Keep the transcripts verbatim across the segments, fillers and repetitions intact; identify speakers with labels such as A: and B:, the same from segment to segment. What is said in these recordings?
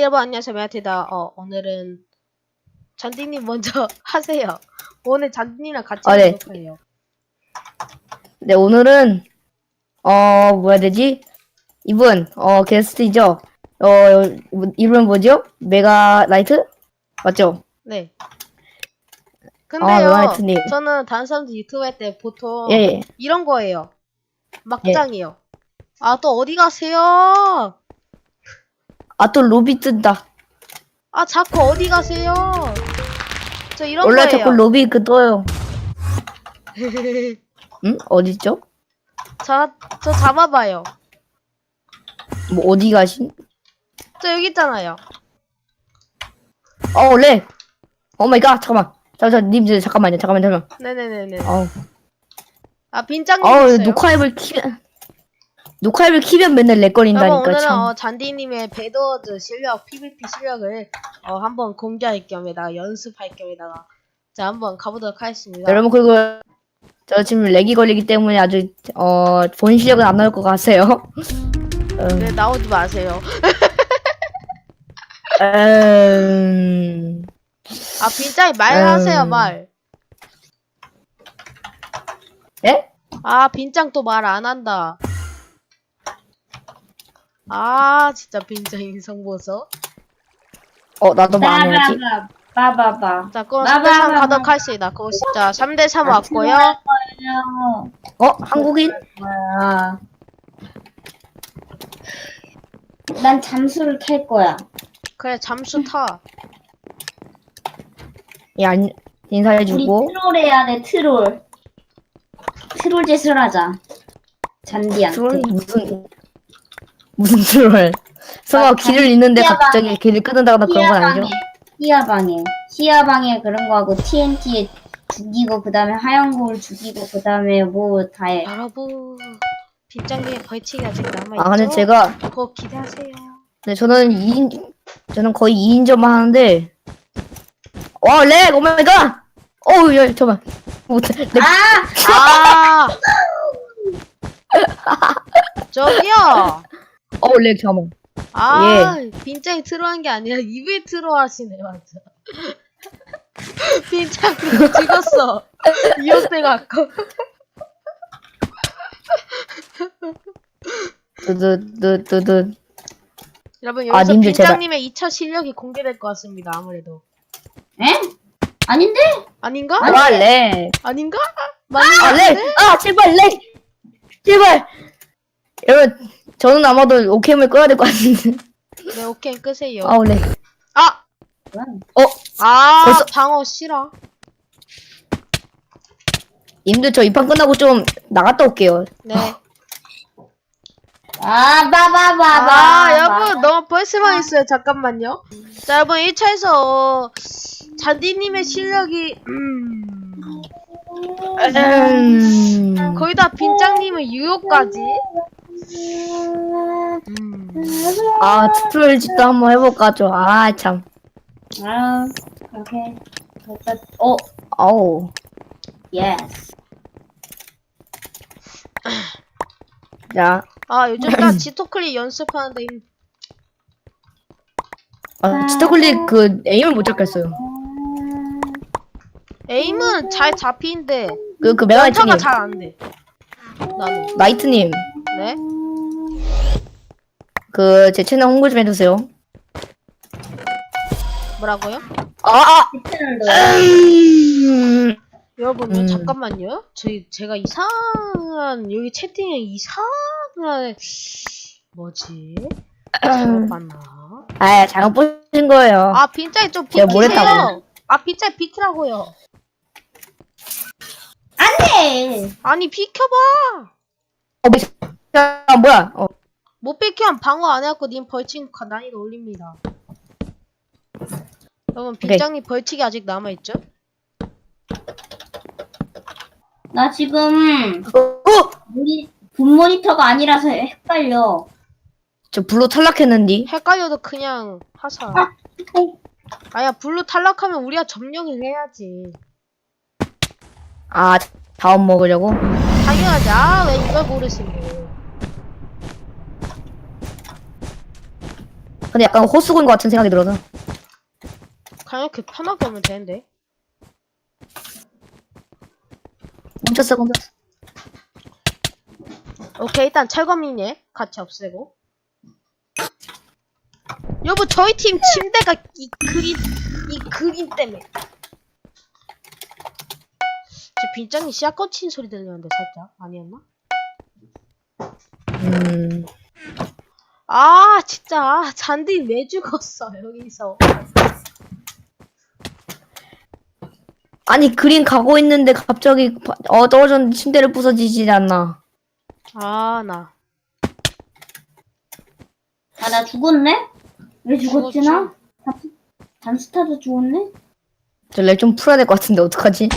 A: 여러분 안녕하세요, 메아티다. 어 오늘은 잔디님 먼저 하세요. 오늘 잔디님이랑 같이
B: 아, 네.
A: 하도록 해요.
B: 네, 오늘은, 어, 뭐야 되지? 이분, 어, 게스트이죠? 어, 이분 뭐죠? 메가 라이트? 맞죠?
A: 네.
B: 아,
A: 근데요,
B: 메가라이트님.
A: 저는 다른 사람들 유튜브 할 때 보통
B: 예, 예.
A: 이런 거예요. 막장이요. 아, 또 어디 가세요?
B: 아, 또 로비 뜬다.
A: 아, 자꾸 어디 가세요? 저 이런
B: 원래
A: 거예요.
B: 자꾸 로비 그 떠요. 응? 어딨죠?
A: 저, 저 잡아봐요.
B: 뭐, 어디 가신?
A: 저 여기 있잖아요.
B: 어, 렉! 오 마이 갓, 잠깐만. 잠, 잠, 님, 저, 잠깐만요, 잠깐만, 잠깐만.
A: 네네네네.
B: 어우,
A: 아, 빈장님
B: 어우,
A: 있어요.
B: 녹화앱을 키면, 녹화앱을 키면 맨날
A: 여러분,
B: 렉거린다니까,
A: 오늘은
B: 참.
A: 어, 잔디님의 배드워즈 실력, 피브이피 실력을 어, 한번 공개할 겸에다가 연습할 겸에다가 자 한번 가보도록 하겠습니다.
B: 여러분, 그리고, 저 지금 렉이 걸리기 때문에 아주, 어, 본 실력은 안 나올 것 같아요. 어.
A: 네, 나오지 마세요.
B: 음...
A: 아, 빈장이 말하세요,
B: 음.
A: 말.
B: 예?
A: 아, 빈장 또 말 안 한다. 아, 진짜 빈장 인성 보소.
B: 어, 나도 말해야지.
C: 빠바바.
A: 자, 그럼
C: 나,
A: 삼 대 삼
C: 나, 나,
A: 가도록
C: 나.
A: 하겠습니다. 그럼 진짜 삼 대 삼
C: 아,
A: 왔고요.
C: 거예요.
B: 어? 한국인?
C: 뭐야? 난 잠수를 캘 거야.
A: 그래, 잠수 타.
B: 예, 안,
C: 우리
B: 인사해주고.
C: 트롤 해야 돼, 트롤. 트롤 짓을 하자. 잔디한테.
B: 트롤? 무슨, 무슨 트롤? 설마
C: 아,
B: 길을 잃는데
C: 희야방에.
B: 갑자기 길을 끊는다거나 그런 건 아니죠?
C: 히야방에. 히야방에 그런 거 하고 티엔티에 죽이고 그 다음에 하얀골 죽이고 그 다음에 뭐 다 해.
A: 여러분, 빈장님의 벌칙이 아직 남아있죠?
B: 아, 근데 제가,
A: 그거 기대하세요.
B: 네, 저는 이 인, 저는 거의 이 인점만 하는데, 와, 렉! 오마이갓! 어우, 야, 잠깐만. 못해. 렉.
C: 아!
A: 아! 저기요!
B: 어우, 렉, 잠깐만.
A: 아, 빈장이 트로한 게 아니라 입에 트로 하시네, 맞아. 빈장이 죽었어. 이어돼갖고.
B: 두두두두두.
A: 여러분,
B: 아,
A: 여기서
B: 님들 제발.
A: 빈장님의 이 차 실력이 공개될 것 같습니다, 아무래도.
C: 에? 아닌데?
A: 아닌가?
B: 아, 렉.
A: 아닌가? 맞는 것
B: 아, 렉!
A: 같은데?
B: 아, 제발, 렉! 제발! 여러분, 저는 아마도 오캠을 꺼야 될 것 같은데.
A: 네, 오케이, 끄세요.
B: 아우, 렉.
A: 아!
B: 어?
A: 아,
B: 벌써-
A: 방어 싫어.
B: 님들 저 이 판 끝나고 좀 나갔다 올게요.
A: 네.
C: 아, 빠바바바.
A: 아, 여러분, 너무 벌써만 있어요. 잠깐만요. 자, 여러분, 일 차에서 잔디님의 실력이, 음,
B: 음...
A: 거의 다 빈장님의 유효까지. 음.
B: 아, 트롤 짓도 한번 해볼까, 좀. 아, 참.
C: 아, 오케이. 됐다. 어,
B: 아우.
C: 예스.
B: 자,
A: 아, 요즘 나 지토클릭 연습하는데, 힘-
B: 아, 치터클릭 그, 에임을 못 잡겠어요.
A: 에임은 잘 잡히는데,
B: 그, 그,
A: 연타가
B: 메가이트님.
A: 잘 안 돼. 나는.
B: 나이트님.
A: 네?
B: 그, 제 채널 홍보 좀 해주세요.
A: 뭐라고요?
B: 아, 아! 음...
A: 여러분,
B: 음.
A: 잠깐만요. 저희, 제가 이상한, 여기 채팅에 이상한, 뭐지? 잘못 봤나?
B: 아, 잘못 보신 거예요.
A: 아, 빈짜이 좀
B: 제가 뭘
A: 비키세요.
B: 했다고요?
A: 아, 빈짜이 비키라고요.
C: 안 돼!
A: 아니, 비켜봐.
B: 어, 뭐, 야, 뭐야? 어,
A: 못 비키면 방어 안 해갖고 님 벌칙 난이도 올립니다. 여러분, 빈장님 벌칙이 아직 남아있죠?
C: 나 지금,
B: 어, 어!
C: 모니, 본 모니터가 아니라서 헷갈려.
B: 저 블루 탈락했는디.
A: 헷갈려도 그냥 하사.
C: 아, 어.
A: 아야, 블루 탈락하면 우리가 점령을 해야지.
B: 아, 다음 먹으려고?
A: 당연하지. 아, 왜 이걸 모르시고.
B: 근데 약간 호수군 것 같은 생각이 들어서.
A: 그냥 이렇게 편하게 하면 되는데.
B: 멈췄어, 멈췄어.
A: 오케이, 일단 철거미니 같이 없애고. 여보, 저희 팀 침대가 이 그림, 이 그림 때문에. 저 빈장이 씨앗 꽂힌 소리 들리는데 살짝 아니었나?
B: 음.
A: 아, 진짜 잔디 왜 죽었어 여기서?
B: 아니, 그린 가고 있는데 갑자기 바- 어, 떨어졌는데 침대를 부서지지 않나.
A: 아, 나
C: 아, 나 죽었네? 왜 죽었지,
A: 죽었지.
C: 나? 단스타도 죽었네?
B: 저 렉 좀 풀어야 될 것 같은데, 어떡하지?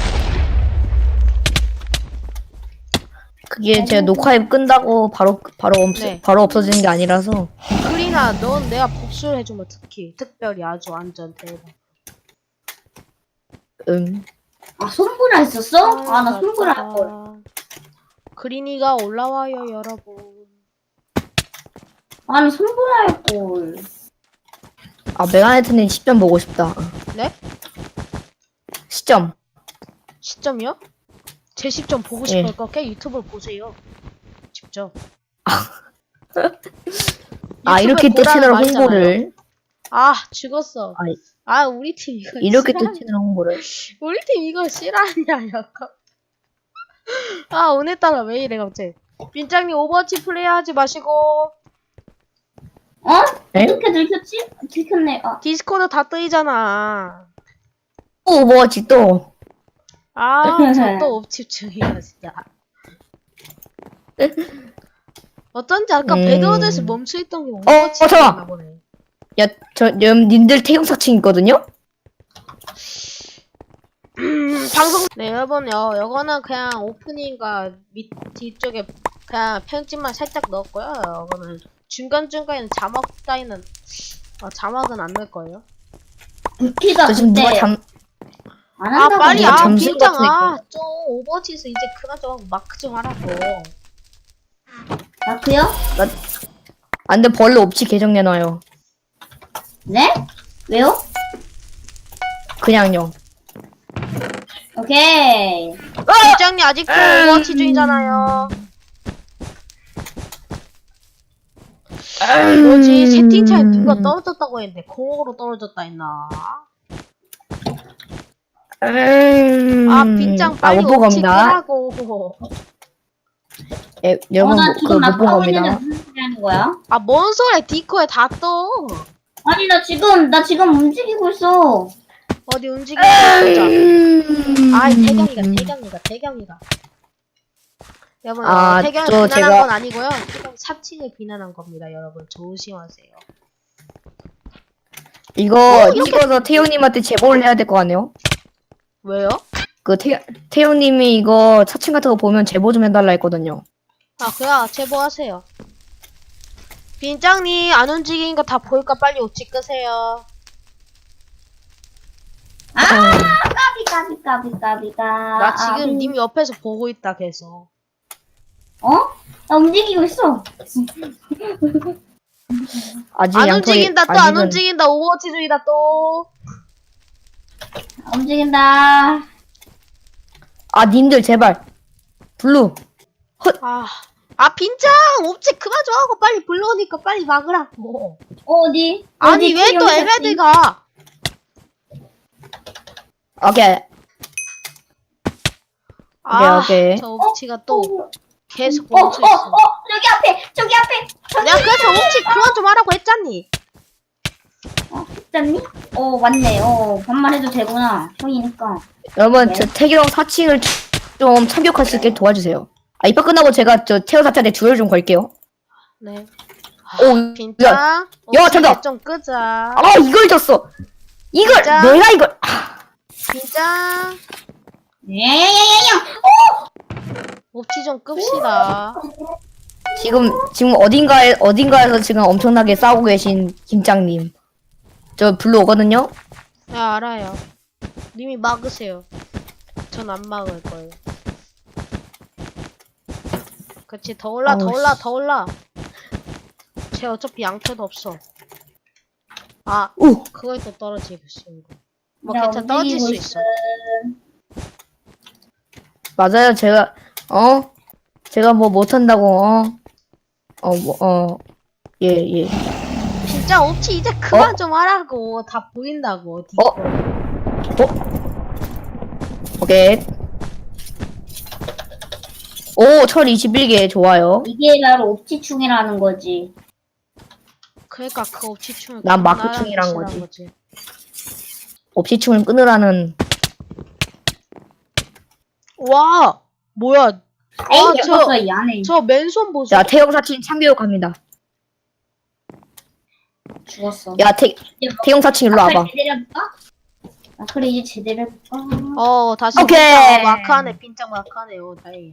B: 그게 제가 녹화 앱 끈다고 바로, 바로, 없,
A: 네.
B: 바로 없어지는 게 아니라서.
A: 그리나, 넌 내가 복수를 해주면 특히 특별히 아주 완전 대박.
B: 음.
C: 아, 손보라 했었어? 아, 나 손보라 할걸.
A: 그린이가 올라와요 여러분.
C: 아, 나 손보라 할걸.
B: 아, 메가네트님 시점 보고 싶다.
A: 네?
B: 시점.
A: 시점이요? 제 시점 보고
B: 예.
A: 싶을 거게 유튜브를 보세요. 직접.
B: 아,
A: 유튜브에
B: 이렇게 또
A: 보라는
B: 채널
A: 말이잖아요.
B: 홍보를.
A: 아, 죽었어.
B: 아이.
A: 아, 우리 팀 이거
B: 이렇게 또
A: 싫어하냐?
B: 채널 홍보를.
A: 우리 팀 이거 싫어하냐, 약간. 아, 오늘따라 왜 이래, 갑자기. 빈장님 오버워치 플레이하지 마시고,
C: 어?
B: 에?
C: 어떻게 들켰지? 들켰네. 아,
A: 디스코드 다 뜨이잖아.
B: 또 뭐지, 또.
A: 아, 저 또 옵집중이야, 진짜. 어쩐지 아까
B: 음.
A: 배드워드에서 멈춰있던 게
B: 어,
A: 오버워치
B: 어, 잠깐만.
A: 나 보네.
B: 야, 저, 님, 님들 태용 사칭 있거든요?
A: 음, 방송. 네, 여러분요. 요거는 그냥 오프닝과 밑 뒤쪽에 그냥 편집만 살짝 넣었고요. 요거는 중간중간에는 자막 따위는 어, 자막은 안 넣을 거예요.
C: 부키가
B: 저 지금
C: 그때
B: 누가 잠,
C: 안
A: 아,
C: 한다고
A: 빨리
B: 누가
A: 아,
B: 잠수
A: 빈장
B: 같은
A: 아, 좀 오버워치에서 이제 그만 좀 하고 마크 좀 하라고.
C: 마크요?
B: 안 돼, 벌레 옵치 계정 내놔요.
C: 네? 왜요?
B: 그냥요.
C: 오케이.
A: 빈장님 아직도 오버워치 중이잖아요. 뭐지? 채팅창에 누가 떨어졌다고 했는데 공으로 떨어졌다 했나?
B: 음...
A: 아, 빈장
B: 아,
A: 빨리
B: 못 본
A: 옵치
B: 겁니다.
A: 끄라고.
B: 예,
C: 어,
B: 여러분,
C: 나
B: 그,
C: 지금
B: 못
C: 막
B: 본
C: 하고 있는데
B: 겁니다.
C: 무슨 소리 하는 거야?
A: 아, 뭔 소리야? 디코에 다 떠.
C: 아니, 나 지금, 나 지금 움직이고 있어.
A: 어디 움직이는 거 보자.
B: 음...
A: 아이, 태경이가, 태경이가, 태경이가. 여러분,
B: 아,
A: 어, 태경이
B: 저
A: 비난한
B: 제가-
A: 건 아니고요. 태경 사칭을 비난한 겁니다, 여러분. 조심하세요.
B: 이거 찍어서 태용님한테 제보를 해야 될 것 같네요.
A: 왜요?
B: 그 태, 태용님이 이거 사칭 같은 거 보면 제보 좀 해달라 했거든요.
A: 아, 그야, 제보하세요. 빈장님, 안 움직이는 거 다 보일까 빨리 옷 끄세요.
C: 아, 까비, 까비, 까비, 까비가.
A: 나 지금
C: 아,
A: 님 옆에서 보고 있다, 계속.
C: 어? 나 움직이고 있어.
B: 아직
A: 안
B: 양털이-
A: 움직인다, 또 안
B: 아직은-
A: 움직인다, 오버워치 중이다, 또.
C: 아, 움직인다.
B: 아, 님들 제발. 블루.
A: 아, 아, 빈장! 옵지 그만 좀 하고 빨리 불러오니까 빨리 막으라고.
C: 어디?
A: 아니,
C: 어디
A: 왜 또
C: 태용
A: 에메드가?
B: 오케이.
A: 아,
B: 오케이.
A: 저 옵치가 또
C: 어,
A: 계속
C: 어, 어,
A: 멈춰있어.
C: 어, 저기 앞에, 저기 앞에, 저기
A: 내가 그래서 옵치 그만 좀 하라고 했잖니.
C: 어, 했잖니? 어, 맞네. 어, 반말해도 되구나. 형이니까.
B: 여러분,
C: 네.
B: 저 태경 사칭을 좀 참격할 수 있게 도와주세요. 아, 입학 끝나고 제가 저 태호 사찰에 주열 좀 걸게요.
A: 네.
B: 오,
A: 빈장,
B: 야,
A: 옵치
B: 잠깐.
A: 이제 좀 끄자.
B: 아, 이걸 졌어. 이걸,
A: 진짜?
B: 내가 이걸. 아,
A: 빈장,
C: 야야야야야!
A: 옵치 좀 끕시다.
B: 지금, 지금 어딘가에, 어딘가에서 지금 엄청나게 싸우고 계신 김장님. 저 블루 오거든요?
A: 네, 알아요. 님이 막으세요. 전 안 막을 거예요. 그치, 더 올라, 더
B: 아우,
A: 올라,
B: 씨.
A: 더 올라. 쟤 어차피 양태도 없어. 아,
B: 오!
A: 그거에 또 떨어지고 싶은 거. 뭐
C: 나
A: 괜찮아, 떨어질
C: 움직이고
A: 수 있어.
B: 맞아요, 제가, 어? 제가 뭐 못한다고, 어? 어, 뭐, 어. 예, 예.
A: 진짜 옵치 이제 그만
B: 어?
A: 좀 하라고. 다 보인다고. 니
B: 어?
A: 거.
B: 어? 오케이. 오, 철 이십일 개, 좋아요.
C: 이게 바로 옵티충이라는 거지.
A: 그러니까 그 옵치충을
B: 난
A: 그만하라는
B: 마크충이란
A: 뜻이란
B: 거지. 옵시충을 끊으라는,
A: 와! 뭐야?
C: 에이,
A: 아, 저,
C: 녀석아, 이 안에
A: 저 맨손 보소.
B: 자, 태영사칭 참교육 갑니다.
C: 죽었어.
B: 야, 태, 태영사칭 일로
C: 아크를
B: 와봐.
C: 제대로 해볼까? 아크를 이제 제대로 해볼까?
A: 어, 다시
B: 오케이.
A: 빈장 마크하네. 빈장 마크하네요. 다행이야.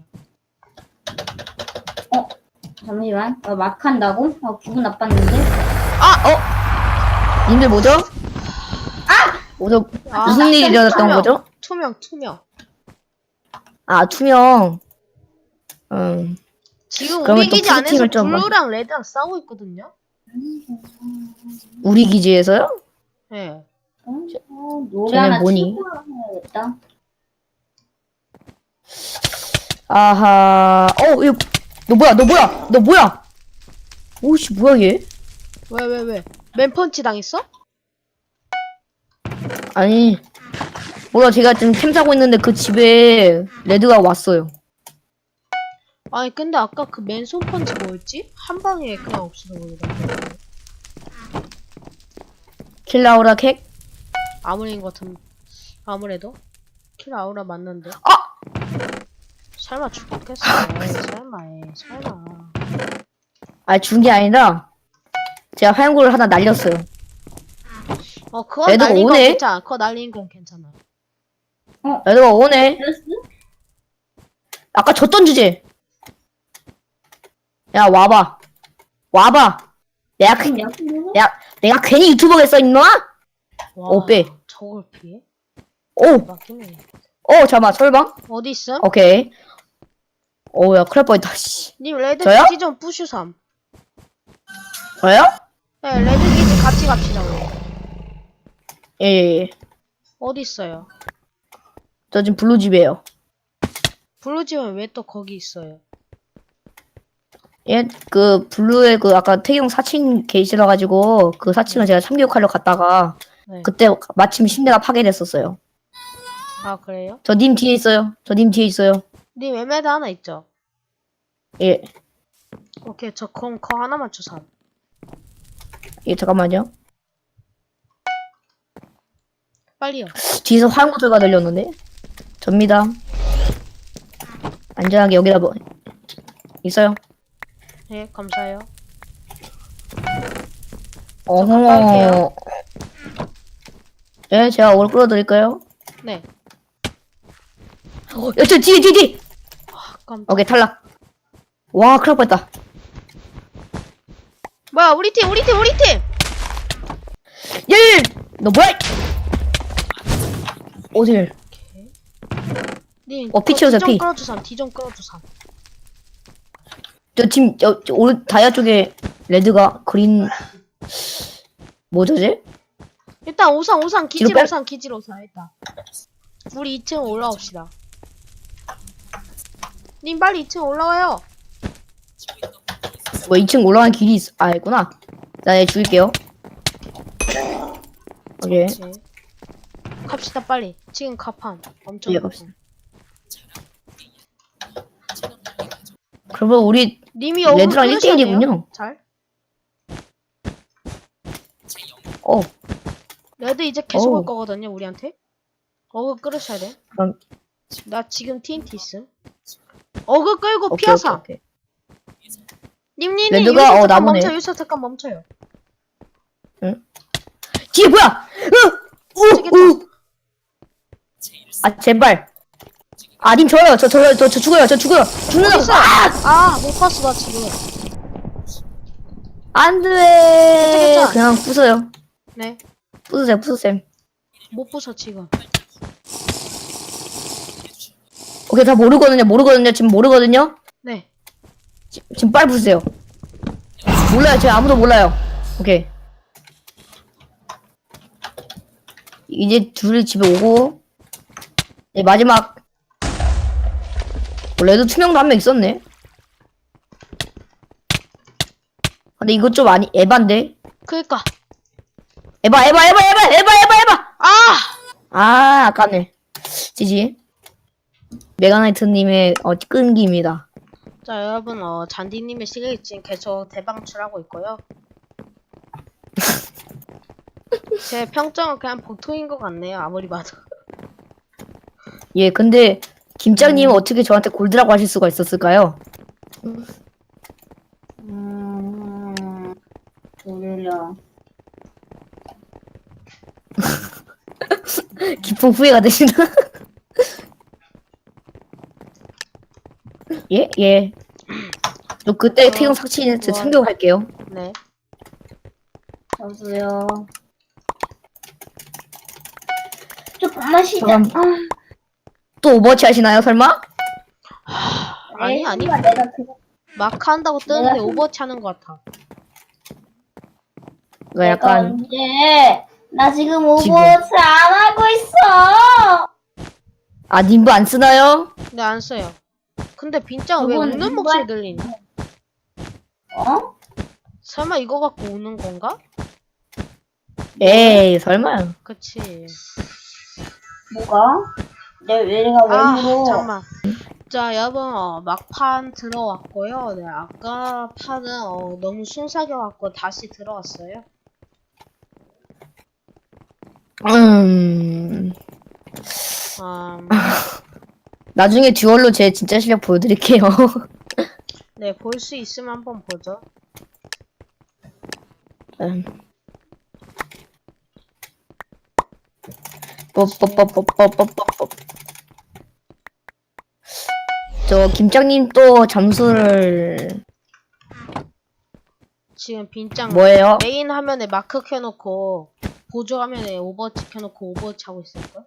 C: 어? 잠시만. 어, 막 한다고? 어, 기분 나빴는데?
B: 아, 어? 님들 뭐죠? 아! 뭐죠?
A: 아,
B: 무슨 일이 일어났던
A: 투명.
B: 거죠?
A: 투명, 투명.
B: 아, 투명. 음,
A: 지금
B: 그러면
A: 우리
B: 또
A: 기지 안에서
B: 푸드팀을 좀
A: 블루랑 레드랑 싸우고 있거든요?
B: 우리 기지에서요?
A: 네.
C: 어, 어, 노래
B: 쟤네
C: 하나
B: 뭐니?
C: 틀고 해야겠다.
B: 아하, 어, 이거, 너 뭐야, 너 뭐야, 너 뭐야? 오씨, 뭐야, 얘?
A: 왜, 왜, 왜? 맨펀치 당했어?
B: 아니, 몰라, 제가 지금 캠 사고 있는데 그 집에 레드가 왔어요.
A: 아니, 근데 아까 그 맨손 펀치 뭐였지? 한 방에 그냥 없어져 버리다.
B: 킬라우라 캑?
A: 아무래인 것 같은, 아무래도? 킬 아우라 맞는데.
B: 아!
A: 설마 죽겠어. 에이, 설마, 에이, 설마.
B: 아, 준 게 아니라, 제가 화염구를 하나 날렸어요.
A: 어, 그거
B: 애들
A: 날린 건
B: 오네?
A: 괜찮아. 그거 날린 건 괜찮아.
B: 레드가 오네.
C: 됐어?
B: 아까 졌던 주제. 야, 와봐. 와봐. 내가, 그,
C: 그럼 약속으로?
B: 내가, 내가 괜히 유튜버겠어, 임마?
A: 와,
B: 오, 빼.
A: 저걸 피해?
B: 오!
A: 맞긴
B: 어, 잠깐만, 설방?
A: 어디 있음?
B: 오케이. 오, 야, 큰일 날 뻔했다, 씨.
A: 님 레드
B: 저요?
A: 기지 좀 부슈삼.
B: 저요?
A: 네, 레드 기지 같이 갑시다, 우리.
B: 예, 예, 예.
A: 어디 있어요?
B: 저 지금 블루집이에요.
A: 블루집은 왜 또 거기 있어요?
B: 예, 그, 블루의 그, 아까 태경 사칭 게이시라가지고, 그 사칭을 제가 참교육하러 갔다가,
A: 네.
B: 그때 마침 심내가 파괴됐었어요.
A: 아, 그래요?
B: 저 님 뒤에 있어요. 저 님 뒤에 있어요.
A: 님 에메드 하나 있죠?
B: 예,
A: 오케이, 저 그럼 거 하나만 주삼.
B: 예, 잠깐만요.
A: 빨리요.
B: 뒤에서 화염구 소리가 들렸는데? 접니다. 안전하게 여기다 뭐, 있어요.
A: 네, 감사해요.
B: 어허. 예, 제가 오늘 끌어드릴까요?
A: 네.
B: 어, 야, 저 뒤에, 뒤에, 뒤에!
A: 아, 깜
B: 오케이, 탈락. 와, 큰일 날 뻔했다.
A: 뭐야, 우리 팀, 우리 팀, 우리 팀!
B: 예! 너 뭐야? 어딜?
A: 오케이. 님,
B: 어, 피 치우세요,
A: 뒤좀
B: 피.
A: 끌어주삼, 뒤좀 끌어주삼.
B: 저 지금, 저, 저, 오른, 다이아 쪽에 레드가 그린, 뭐죠, 쟤?
A: 일단 오상, 오상, 기지로
B: 뒤로 빼-
A: 오상, 기지로 오상, 일단. 우리 이 층 올라옵시다. 님, 빨리 이 층 올라와요.
B: 뭐, 이 층 올라가는 길이 있, 아, 있구나. 나 얘 죽일게요. 오케이.
A: 그렇지. 갑시다, 빨리. 지금 갑함. 엄청.
B: 예,
A: 급함.
B: 갑시다. 그러면 우리,
A: 님이 어글
B: 레드랑
A: 끌으셔야
B: 일 대일이군요.
A: 돼요. 잘.
B: 어,
A: 레드 이제 계속
B: 어우.
A: 올 거거든요, 우리한테. 어글 끌으셔야 돼.
B: 그럼,
A: 나 지금 티엔티 있음. 어글 끌고
B: 오케이,
A: 피하사.
B: 오케이, 오케이.
A: 님님님
B: 레드가,
A: 여기서
B: 어,
A: 잠깐
B: 나무네.
A: 멈춰요. 여기서 잠깐 멈춰요.
B: 뒤에 뭐야? 으! 우! 우! 아, 제발. 아, 님 저요. 저, 저, 저, 저 죽어요. 저 죽어요. 죽는다고.
A: 어딨어?
B: 아!
A: 아, 못 봤어, 나 지금.
B: 안 돼.
A: 괜찮아.
B: 그냥 부숴요.
A: 네.
B: 부수세요, 부수세요.
A: 못 부숴, 지금.
B: 오케이, 다 모르거든요. 모르거든요. 지금 모르거든요.
A: 네.
B: 지, 지금 빨리 부수세요. 몰라요. 지금 아무도 몰라요. 오케이. 이제 둘이 집에 오고 네, 마지막 원래도 투명도 한 명 있었네. 근데 이거 좀 아니 에반데.
A: 그니까.
B: 에바 에바 에바 에바 에바 에바 에바.
A: 아!
B: 아 아깝네. 지지. 메가나이트님의 어, 끈기입니다.
A: 자, 여러분, 어, 잔디님의 시리즈 지금 계속 대방출하고 있고요. 제 평점은 그냥 보통인 것 같네요. 아무리 봐도.
B: 예, 근데 김장님은 어떻게 저한테 골드라고 하실 수가 있었을까요?
C: 음, 졸려.
B: 깊은 후회가 되시나? 예, 예. 저 그때 태경 삭친 제
A: 와.
B: 참교할게요.
A: 네.
C: 저도요. 조금만 쉬자.
B: 잠깐. 또 오버워치 하시나요, 설마?
A: 아니,
C: 에이,
A: 아니.
C: 내가 그거
A: 마크 한다고 뜨는데
C: 내가
A: 오버워치 하는 것 같아.
B: 이거
C: 내가
B: 약간
C: 언제? 나 지금
B: 지금.
C: 오버워치 안 하고 있어.
B: 아 님부 안 쓰나요?
A: 근데 안 써요. 근데 빈짱 왜
C: 그건
A: 우는
C: 누가-
A: 목소리 들리니?
C: 어?
A: 설마 이거 갖고 우는 건가?
B: 에이 설마.
A: 그치.
C: 뭐가? 내 내가 왜
A: 아,
C: 물어?
A: 잠깐만. 자, 여러분, 어, 막판 들어왔고요. 네, 아까 판은 어, 너무 순삭해 갖고 다시 들어왔어요.
B: 음.
A: 음,
B: 나중에 듀얼로 제 진짜 실력 보여드릴게요.
A: 네, 볼 수 있으면 한번 보죠.
B: 음. 뽀뽀뽀뽀뽀뽀뽀뽀. 저 김장님 또 잠수를
A: 지금 빈짱
B: 뭐예요?
A: 메인 화면에 마크 켜놓고 보조 화면에 오버워치 켜놓고 오버워치 하고 있을걸?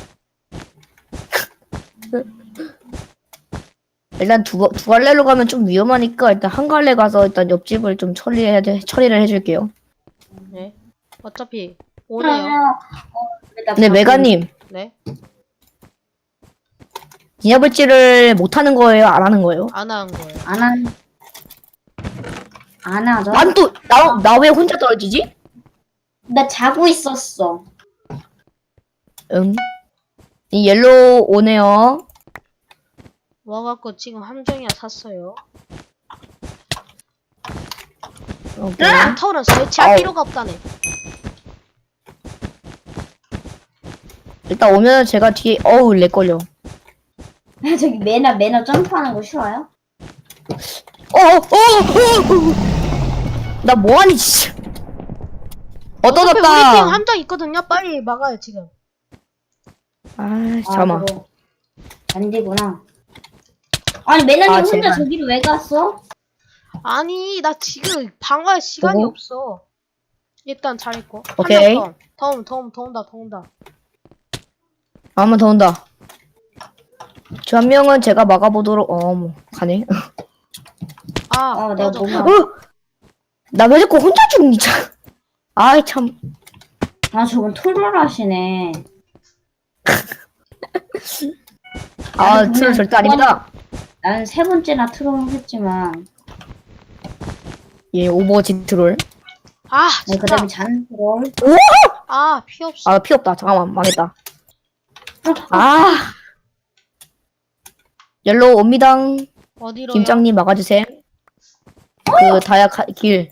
B: 일단 두, 두 갈래로 가면 좀 위험하니까 일단 한 갈래 가서 일단 옆집을 좀 처리해야 돼 처리를 해줄게요.
A: 네. 어차피 오네요.
B: 근데 메가님
A: 네.
B: 디아블지를 못 하는 거예요? 안 하는 거예요?
A: 안 한 거예요.
C: 안 한, 안 하죠?
B: 난 또 나 나 왜 혼자 떨어지지?
C: 나 자고 있었어.
B: 응. 이 옐로우 오네요.
A: 와갖고 지금 함정이야 샀어요.
B: 오케이.
A: 랜턴은 설치할
B: 아우.
A: 필요가 없다네.
B: 일단 오면 제가 뒤에 어우 렉 걸려.
C: 저기 매너 매너 점프하는 거 싫어요?
B: 어어어어 나 뭐하니 진짜. 어
A: 어차피 우리 팀
B: 떨어졌다.
A: 함정 있거든요. 빨리 막아요 지금.
B: 아 잠깐만.
C: 그거 안 되구나. 아니 매너님
B: 아,
C: 혼자
B: 제발.
C: 저기로 왜 갔어?
A: 아니 나 지금 방어할 시간이
B: 보고?
A: 없어. 일단 잘했고.
B: 오케이.
A: 한명 더. 더, 더, 더 온다 더 온다.
B: 한 번 더 온다. 저 한 명은 제가 막아보도록 어뭐 가네.
A: 아
C: 어, 내가
A: 꺼져.
C: 뭔가-
B: 어? 나 왜 자꾸 혼자 죽니 참. 아이 참.
C: 아 저건 토를 하시네.
B: 아
C: 나는
B: 트롤
C: 그냥
B: 절대 아닙니다.
C: 나는 세 번째나 트롤을 했지만
B: 예 오버워치 트롤.
A: 아
C: 네, 그
A: 진짜.
C: 다음에 잔 트롤.
A: 아 피 없어.
B: 아 피 없다. 잠깐만 망했다. 아 옐로우 옵니다.
A: 어디로요?
B: 김장님 막아주세요. 그 다약 길.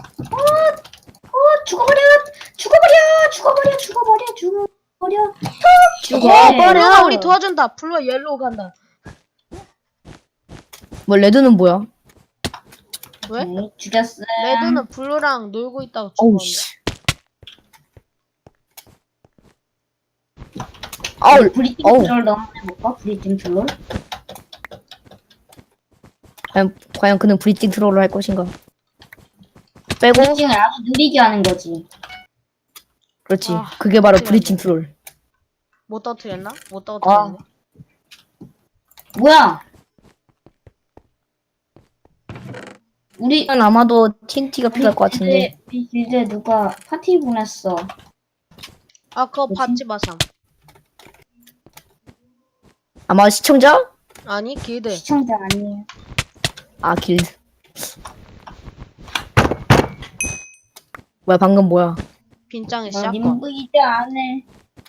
C: 어 죽어버려 죽어버려 죽어버려 죽어버려 죽어버려.
B: 죽어버려.
A: 블루가 우리 도와준다. 블루 옐로우 간다.
B: 뭐 레드는 뭐야?
A: 왜?
C: 네, 죽였어.
A: 레드는 블루랑 놀고 있다고
B: 어우
A: 죽었는데.
B: 씨. 아우
C: 브리팅
B: 어우.
C: 트롤 너무 해볼까? 브리팅 트롤?
B: 과연 과연 그는 브리징 트롤을 할 것인가? 빼고
C: 브리팅을 아주 느리게 하는 거지.
B: 그렇지.
A: 아,
B: 그게 바로
A: 어떡해.
B: 브리징 트롤.
A: 못 터뜨렸나? 못 터뜨렸네.
C: 뭐야? 우리
B: 이건 아마도 티엔티가 필요할 것 같은데.
C: 우리 길드에 누가 파티 보냈어.
A: 아, 그거
C: 뭐지?
A: 받지 마삼.
B: 아마 시청자?
A: 아니, 길드.
C: 시청자 아니에요.
B: 아 길드. 뭐야 방금 뭐야?
A: 빈장의
C: 나
A: 샷건.
C: 님부 이제 안 해.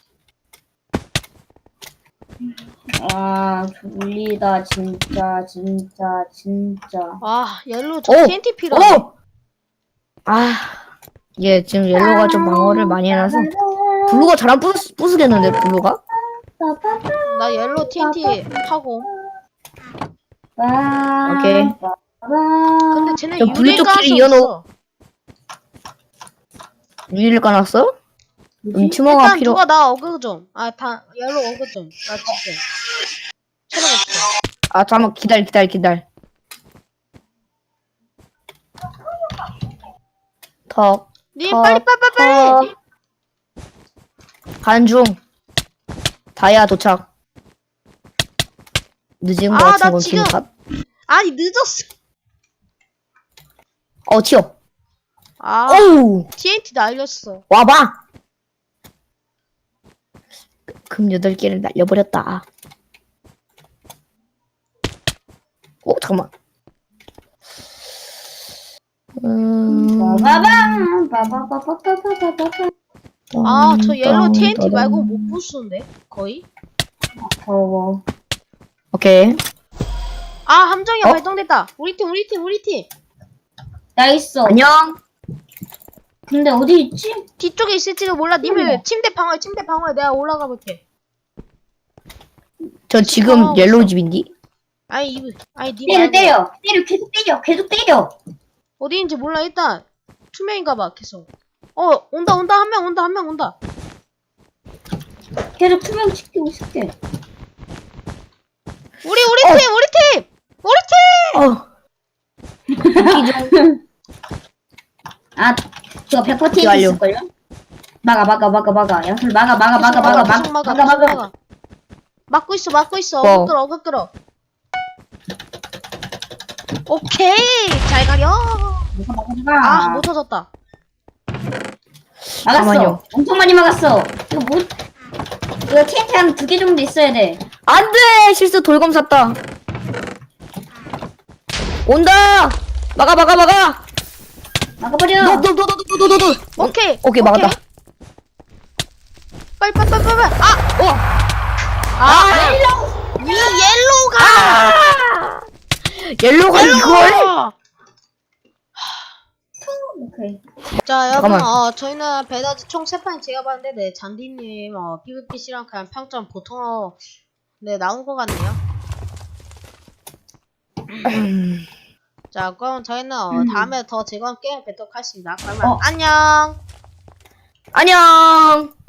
C: 아, 졸리다, 진짜, 진짜, 진짜.
A: 아, 옐로우 저
B: 오!
A: 티엔티 필요하네.
B: 오! 아, 얘 지금 옐로가 좀 방어를 많이 해놔서 블루가 잘 안 부수, 부수겠는데 블루가?
A: 나 옐로우 티엔티 하고.
B: 오케이.
A: 근데 쟤네
B: 저 블루
A: 유리가
B: 쪽끼리
A: 할수
B: 이어놓-
A: 없어.
B: 유리를 까놨어? 음, 티머가
A: 일단
B: 필요.
A: 누가 나 어그 좀. 아, 다 옐로우 어그 좀. 나 진짜. 체력 없어.
B: 아 잠깐 기다려 기다려 기다려. 턱.
A: 님
B: 어,
A: 빨리 빨리 빨리 빨리.
B: 턱. 간중. 다이아 도착. 늦은 거
A: 아,
B: 같은
A: 나
B: 건
A: 지금-
B: 기분 탓.
A: 아니 늦었어.
B: 어 튀어.
A: 아,
B: 어우
A: 티엔티 날렸어.
B: 와봐. 금 여덟 개를 날려버렸다. 오 잠깐만. 음.
C: 빠바밤, 빠바바바바바바바.
A: 아, 저 옐로우
B: 음,
A: 티엔티
B: 따단.
A: 말고 못 부수는데 거의.
C: 더워.
B: 오케이.
A: 아, 함정이
B: 어?
A: 발동됐다. 우리 팀 우리 팀 우리 팀.
C: 나 있어.
B: 안녕.
C: 근데 어디 있지?
A: 뒤쪽에 있을지도 몰라. 님을 침대 방어해 침대 방어해. 내가 올라가 볼게.
B: 저 지금
A: 어,
B: 옐로우 집인디?
A: 아니 이 아니 님
C: 때려,
A: 말고
C: 때려. 때려, 계속 때려, 계속 때려.
A: 어디 있는지 몰라. 일단 투명인가봐 계속. 어, 온다 온다 한 명 온다 한 명 온다.
C: 계속 투명 시키고 있을게.
A: 우리 우리
B: 어.
A: 팀 우리 팀 우리 팀.
B: 어.
C: 아, 저거 백 퍼센트
B: 어떻게 알려?
C: 있을걸요? 막아, 막아, 막아, 막아. 양털 막아, 막아, 막아,
A: 계속
C: 막아,
A: 계속
C: 막아,
A: 막아,
C: 막아,
A: 계속
C: 막아.
A: 막고 있어 막고 있어.
B: 어.
A: 어그 끌어 어그 끌어. 오케이 잘 가려.
C: 막아, 막아, 막아.
A: 아 못 터졌다.
C: 막았어.
B: 잠깐만요.
C: 엄청 많이 막았어. 이거 뭐, 이거 티엔티 한 두 개 정도 있어야 돼.
B: 안돼 실수 돌검 샀다. 온다. 막아 막아 막아.
C: 막아버려.
B: 너너너너너너너.
A: 오케이
B: 오케이 막았다.
A: 빨리 빨리 빨리 빨리. 아
B: 어.
A: 아, 옐로우! 이 옐로우가!
B: 아! 옐로우가 이걸?
C: 오케이.
A: 자, 여러분,
B: 잠깐만.
A: 어, 저희는 배다지 총 세 판 제가 봤는데, 네, 잔디님, 어, 피브피씨랑 그냥 평점 보통, 어, 네, 나온 것 같네요. 자, 그럼 저희는, 어,
C: 음.
A: 다음에 더 즐거운 게임 뵙도록 하겠습니다. 그러면,
C: 어.
A: 안녕!
B: 안녕.